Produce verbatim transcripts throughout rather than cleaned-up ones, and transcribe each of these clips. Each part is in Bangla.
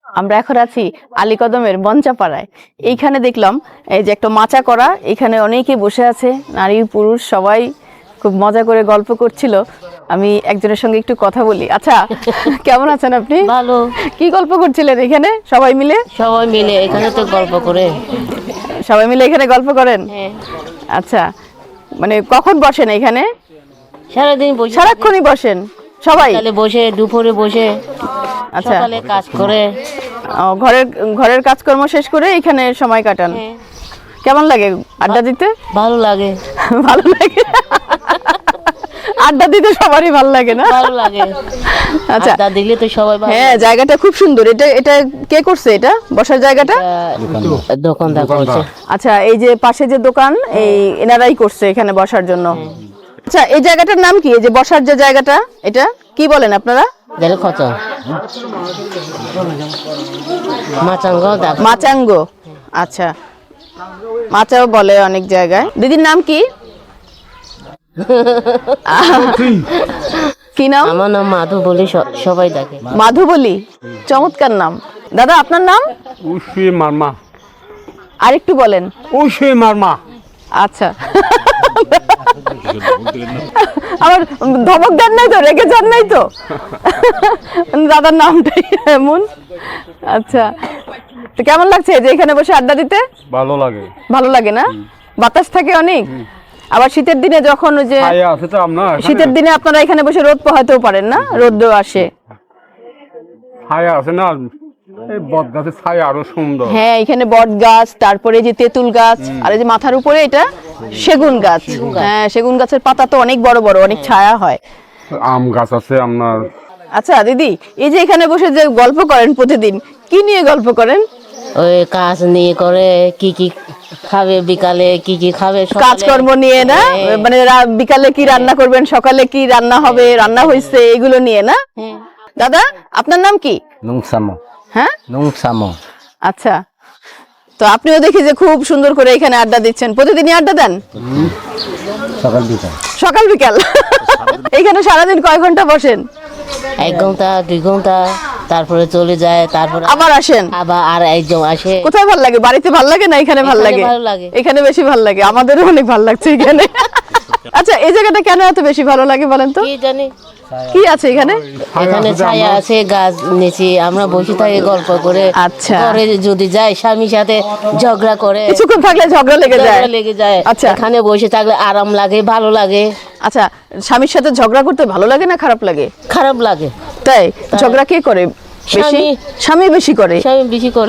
আমরা এখন আছি আলীকদমের মঞ্চাপাড়ায়। এইখানে দেখলাম এই যে একটা মাচা করা, এখানে অনেকে বসে আছে, নারী পুরুষ সবাই খুব মজা করে গল্প করছিল। আমি একজনের সঙ্গে একটু কথা বলি। আচ্ছা, কেমন আছেন আপনি? ভালো। কি গল্প করছিলেন এখানে সবাই মিলে? সবাই মিলে এখানে তো গল্প করে। সবাই মিলে এখানে গল্প করেন? হ্যাঁ। আচ্ছা, মানে কখন বসেন এখানে? সারাদিন বসে, সারাক্ষণই বসেন সবাই? সকালে বসে, দুপুরে বসে, আচ্ছা, সকালে কাজ করে। ও, ঘরের ঘরের কাজকর্ম শেষ করে এখানে সময় কাটান। হ্যাঁ। কেমন লাগে আড্ডা দিতে? ভালো লাগে। ভালো লাগে, আড্ডা দিতে সবারই ভালো লাগে না? ভালো লাগে। আচ্ছা, আড্ডা দিলে তো সবাই ভালো। হ্যাঁ, জায়গাটা খুব সুন্দর। এটা এটা কে করছে এটা বসার জায়গাটা? আহ, দোকানদার করছে। আচ্ছা, এই যে পাশে যে দোকান, এই এনারাই করছে এখানে বসার জন্য। আচ্ছা, এই জায়গাটার নাম কি? এই যে বসার যে জায়গাটা, এটা কি বলেন আপনারা? দেখো কত মাচাঙ্গ দেখো। মাচাঙ্গ। আচ্ছা, মাচাও বলে অনেক জায়গায়। দিদির নাম কি? কি নাম? আমার নাম মাধু বলি, স- সবাই ডাকে। মাধু বলি, চমৎকার নাম। দাদা, আপনার নাম? উশি মারমা। আর একটু বলেন। উশি মারমা। আচ্ছা, আমার ধমক দেন নাই তো, রেগে যান নাই তো? দাদার নামটাই এমন। আচ্ছা, তো কেমন লাগছে যে এখানে বসে আড্ডা দিতে? ভালো লাগে। ভালো লাগে না? বাতাস থাকে অনেক। আবার শীতের দিনে যখন ওই যে ছায়া আছে তো আপনার এখানে? শীতের দিনে আপনারা এখানে বসে রোদ পোহাতেও পারেন না? রোদ আসে। ছায়া আছে না, এই বট গাছের ছায়া আরো সুন্দর। হ্যাঁ, এখানে বট গাছ, তারপরে যে তেঁতুল গাছ, আর এই যে মাথার উপরে এটা সেগুন গাছ। হ্যাঁ, সেগুন গাছের পাতা তো অনেক বড় বড়, অনেক ছায়া হয়। আম গাছ আছে আপনার। আচ্ছা দিদি, এই যে এখানে বসে যে গল্প করেন প্রতিদিন, কি নিয়ে গল্প করেন? ওই কাজ নিয়ে করে, কি কি খাবে বিকালে, কি কি খাবে সকালে। কাজকর্ম নিয়ে না? হ্যাঁ। মানে রা- বিকালে কি রান্না করবেন, সকালে কি রান্না হবে, রান্না হয়েছে, এগুলো নিয়ে না? হ্যাঁ। দাদা, আপনার নাম কি? নুংসামো হ্যাঁ, নুংসামো আচ্ছা। তো আপনিও দেখি যে খুব সুন্দর করে এখানে আড্ডা দিচ্ছেন। প্রতিদিনই আড্ডা দেন? সকাল বিকাল সকাল বিকাল। এখানে সারাদিন কয় ঘন্টা বসেন? এক ঘন্টা দুই ঘন্টা, তারপরে চলে যায়, তারপরে আবার আসেন? আবার আর একজন আসে। কোথায় ভাল লাগে? বাড়িতে ভাল লাগে না এখানে ভাল এখানে লাগে? ভালো লাগে। এখানে বেশি ভাল লাগে, আমাদেরও অনেক ভাল লাগছে এখানে। আচ্ছা, এই জায়গাটা কেন এত বেশি ভালো লাগে বলেন তো? কি জানি, কি আছে এখানে? এখানে ছায়া আছে, গাছ নিচে আমরা বসে থাকি গল্প করে। আচ্ছা। ঘরে যদি যাই স্বামীর সাথে ঝগড়া করে, কিছুক্ষণ থাকলে ঝগড়া লেগে যায়? ঝগড়া লেগে যায়। আচ্ছা। এখানে বসে থাকলে আরাম লাগে, ভালো লাগে। আচ্ছা, স্বামীর সাথে ঝগড়া করতে ভালো লাগে না খারাপ লাগে? খারাপ লাগে। তাই? ঝগড়া কে করে বেশি? স্বামী। স্বামী বেশি করে? স্বামী বেশি করে।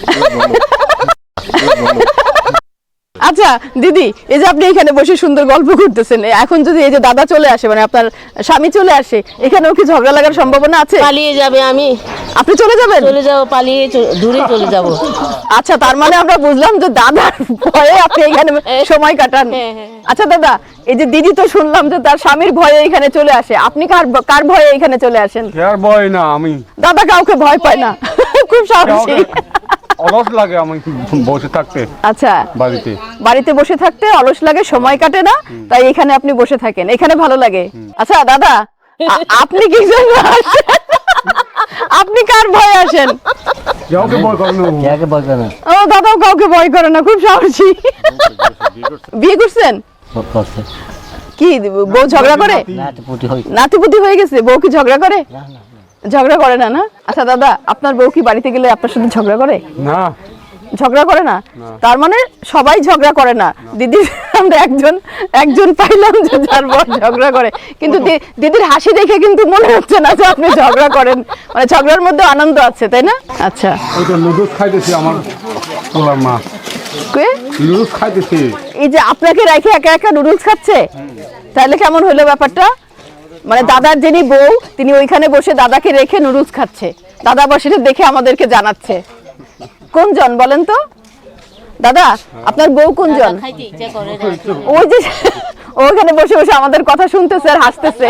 আচ্ছা দিদি, এই যে আপনি এখানে বসে সুন্দর গল্প করতেছেন, এখন যদি এই যে দাদা চলে আসে, মানে আপনার স্বামী চলে আসে, এখানেও কি ঝগড়া লাগার সম্ভাবনা আছে? পালিয়ে যাবে, আমি আপনি চলে যাবেন? চলে যাবো, পালিয়ে চ- দূরে চলে যাব। আচ্ছা, তার মানে আমরা বুঝলাম যে দাদার ভয়ে আপনি এখানে সময় কাটান। হ্যাঁ, হ্যাঁ। আচ্ছা দাদা, এই যে দিদি তো শুনলাম যে তার স্বামীর ভয়ে এখানে চলে আসে, আপনি কার কার ভয়ে এখানে চলে আসেন? আর ভয় না, আমি দাদা কাউকে ভয় পায় না, খুব সাহসী। অলস লাগে আমি বসে থাকতে আচ্ছা, বাড়িতে। বাড়িতে বসে থাকতে অলস লাগে, সময় কাটে না, তাই এখানে আপনি বসে থাকেন, এখানে ভালো লাগে। আচ্ছা দাদা, আ- আপনি কি জন্য আসেন? আপনি কার ভয়ে আসেন? কাউকে ভয় করে না। কে বলবে না ও, দাদাও কাউকে ভয় করে না, খুব সাহসী। বিয়ে করছেন? করছে কি বউ ঝগড়া করে? নাতিপুতি হই নাতিপুতি হয়ে গেছে, বউ কি ঝগড়া করে? ঝগড়া করে না না? আচ্ছা দাদা, আপনার বউ কি বাড়িতে গেলে আপনার সাথে ঝগড়া করে? না, ঝগড়া করে না? তার মানে সবাই ঝগড়া করে না। দিদি, আমরা একজন একজন পাইলাম যে যার বর ঝগড়া করে, কিন্তু দি- দিদির হাসি দেখে কিন্তু মনে হচ্ছে না যে আপনি ঝগড়া করেন, মানে ঝগড়ার মধ্যে আনন্দ আছে, তাই না? আচ্ছা, ওই তো নুডলস খাইতেছি আমার ওলার মা। কে? নুডলস খাইতেছি। এই যে আপনাকে রেখে একা একা নুডলস খাচ্ছে, তাহলে কেমন হলো ব্যাপারটা? মানে দাদার যিনি বউ, তিনি ওইখানে বসে দাদাকে রেখে নুডলস খাচ্ছে, দাদা আবার সেটা দেখে আমাদেরকে জানাচ্ছে। কোনজন বলেন তো? দাদা, আপনার বউ কোনজন? খাইতে ইচ্ছা করে না। ওই যে ওখানে বসে বসে আমাদের কথা শুনতেছে আর হাসতেছে।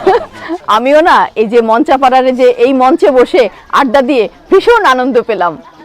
আমিও না এই যে মঞ্চাপাড়ারে যে এই মঞ্চে বসে আড্ডা দিয়ে ভীষণ আনন্দ পেলাম।